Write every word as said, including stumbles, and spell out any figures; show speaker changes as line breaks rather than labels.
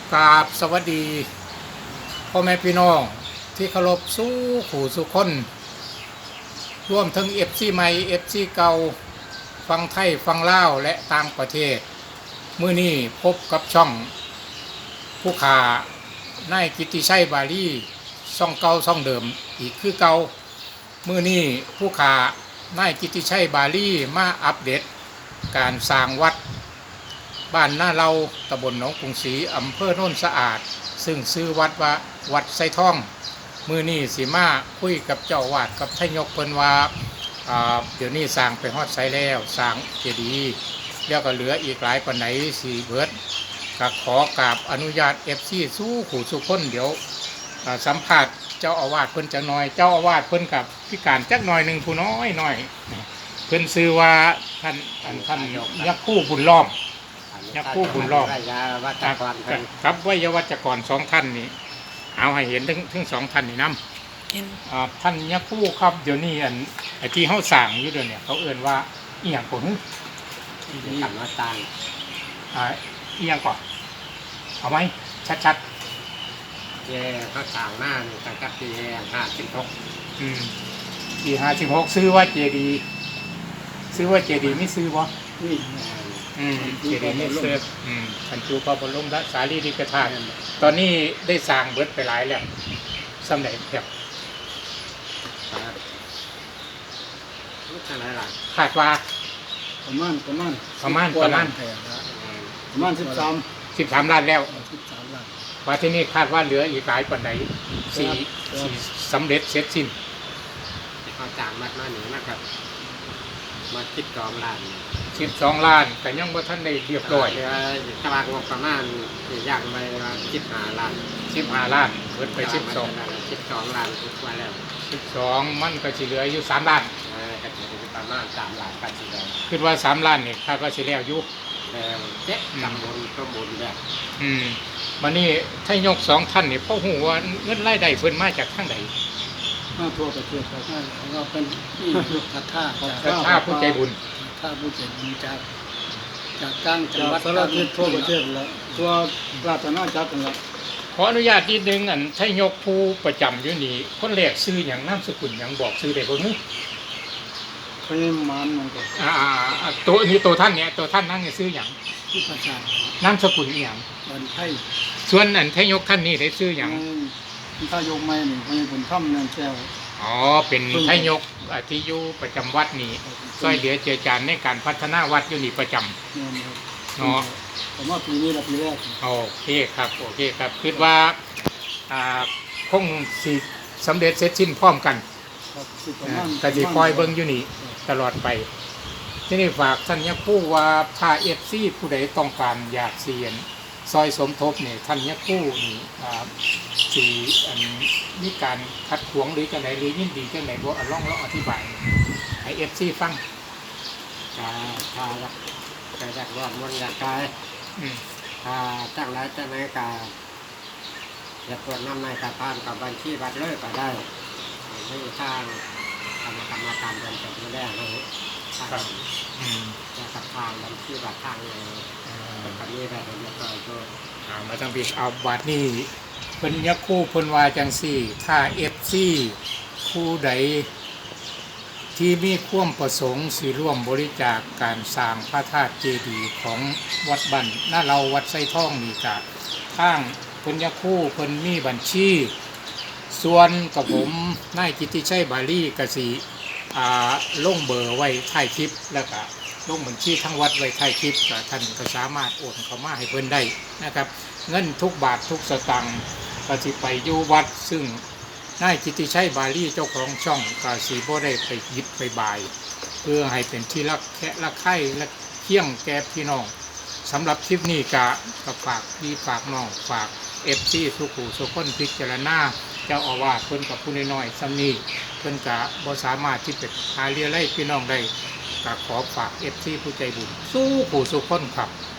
กราบสวัสดีพ่อแม่พี่น้องที่เคารพสู้ขู่สุคนร่วมทั้งเอฟซีใหม่เอฟซีเก่าฟังไทยฟังลาวและต่างประเทศมื้อนี้พบกับช่องผู้ขานายกิตติชัยบาลีช่องเก่าช่องเดิมอีกคือเก่ามื้อนี้ผู้ขานายกิตติชัยบาลีมาอัปเดตการสร้างวัดบ้านหน้าเราตำบลหนองกรุงศรีอำเภอโน่นสะอาดซึ่งซื้อวัดว่าวัดไซท่องมือนี้สีมาคุยกับเจ้าวาดกับทายกเพิ่นว่าเดี๋ยวนี้สร้างไปฮอดไซแล้วสร้างเจดีย์แล้วก็เหลืออีกหลายปานไหนสีเบิดก็ขอกราบอนุญาตเอฟซีสู้ขู่สุคนเดี๋ยวสัมภาษณ์เจ้าอาวาสเพิ่นจักหน่อยเจ้าอาวาสเพิ่นกับพิการจักหน่อยหนึ่งผู้น้อยหน่อยเพิ่นซื้อว่าท่านท่านยักษ์คู่บุญล้อมยักษ์คู่บุญล้อมครับวิยวัจกรสองท่านนี้เอาให้เห็นทั้งทั้งสองท่านนี่นำท่านยักษ์คู่ครับเดี๋ยวนี้อันไอ้ที่เขาสั่งอยู่เดี๋ยวนี้เขาเอื่นว่าอีหยังก่อน
ที่ทำมาตาง
อ่าอีหยังก่อนเอาไหมชัด
ๆเย่เขาสั่งหน้านี่ตั้งแต่ปีห้าสิบหก
อืมปีห้าสิบหกซื้อว่าเจดีซื้อว่าเจดีไม่ซื้อบ่
นี่
อืมเจดีย์ไม่เสร็จอืมบรรจุพระบรมสารีริกธาตุตอนนี้ได้สร้างเบิดไปหลายแล้วสำเร็จแบบคาดว่า
ประมาณประมาณ
ประมาณประมาณ
ประมาณสิบสาม
สิบสามล้านแล้ว
สิบสามล้าน
ว่าที่นี่คาดว่าเหลืออีกหลายปันไหนสี่สี่สำเร็จเสร็จสิ้น
เขาจ้างมาหน้าหนึ่งนะครับมาคิดกองล้าน
สิบสองล้านแต่ยังบ่ท่านได้เรียบร้อย
ตารางงบประมาณย่างไปสิบห้าล้าน
สิบห้าล้านเกิดไปสิบสอง
สิบสองล้านทุกวันแล้ว
สิบสองมันก็สิเหลืออยู่สามล้าน
ก็จะประมาณสามล้านกันสิแล้ว
คิดว่าสามล้านนี่คาดว่าสิแล้วอยู่
แล้วเจ๊ตำบลก็บนแบบ
อืมวันนี้ถ้ายกสองท่านนี่พ่อหูว่าเงินรายได้เพิ่นมาจากทางใด
มาทั่วประเทศเขาก็เป็นที่ยุคทัท่า
ทัท่าผู้ใจบุญ
ถ้าผู้เจ็บมีจากจากกลางจังหวัดสารทิศทั่วประเทศแล้วทั่วราชอาณาจักรแล้ว
ขออนุญาตนิดนึงอันถ้ายกผู้ประจำอยู่นี่คนแรกซื้ออย่างนามสกุลอย่างบอกซื้อได้บ่ฮึ
พญามารมันก็
อ่าตัวนี้ตัวท่านเนี่ยตัวท่านนั่งเนี่ยซื้ออย่าง
ที่ประช
านามสกุลอีหยัง
วันไทย
ส่วนอันถ้ายกท่านนี่ได้ซื้ออย่าง
ถ้ายกไม้นี่พญาบุญถ้ำเนินแก้ว
อ๋อเป็นถ้ายกที่อยู่ประจำวัดนี่ช่วยเหลือเจือจานในการพัฒนาวัดอยู่นี่ประจำเนาะ
ผมว่าปีนี้ละปีแรก
โอเคครับโอเคครับคิดว่าคงสิสำเร็จเสร็จสิ้นพร้อมกันแต่สิคอยเบิ้งอยู่นี่ตลอดไปที่นี่ฝากท่านยักษ์ผู้ว่าถ้าเอฟซีผู้ใดต้องการอยากเสียนซอยสมทบเนี่ยท่านยักษ์ผู้นี่สีอันมีการขัดขวางหรือจังไหนหรือยินดีจังไหนบ่ล่องล่องอธิบายให้เอฟซีฟัง
ถ้าถ้าจะอยากรอดมันอยากกายถ้าตั้งไรจะไหนกาอยากตรวจน้ำในสะพานกับบัญชีบัตรเลิกก็ได้ไม่ทางทำกรรมการเดินไปไม่ได้เลยทางจะสะพานบัญชีบัตรทางเลยแบบนี้แบบนี้ก็ตัว
มาตั้งปีเอาบัตรนี่เป็นยักษ์คู่พลวาจังสี่ถ้าเอฟซีคู่ใดที่มีความประสงค์สิร่วมบริจาคการสร้างพระธาตุเจดีย์ของวัดบันหน้าเราวัดไส้ท่องนี่กับทางพลยักษ์คู่พลมีบัญชีส่วนกับผมนายกิตติชัยบาลีกสิลงเบอร์ไว้ท้ายคลิปแล้วก็ลงบัญชีทั้งวัดไว้ท้ายคลิปก็ท่านก็สามารถโอนเข้ามาให้เพิ่นได้นะครับเงินทุกบาททุกสตางค์ก็สิไปอยู่วัดซึ่งนายกิตติชัยบาลีเจ้าของช่องกาสีบ่ได้ไปยิบไปบายเพื่อให้เป็นที่รักแค่รักใคร่และเคี่ยงแก่พี่น้องสำหรับคลิปนี้กะก็ฝากพี่ฝากน้องฝากเอฟซีสุขุสุขคนพิจารณาเจ้าอาวาสเพิ่นกับผู้น้อยๆซ้ำนี้เพิ่นกะบ่สามารถที่จะหาเลี้ยไล่พี่น้องได้ก็ขอฝากเอฟซีผู้ใจบุญสู้ผู้สุขคนครับ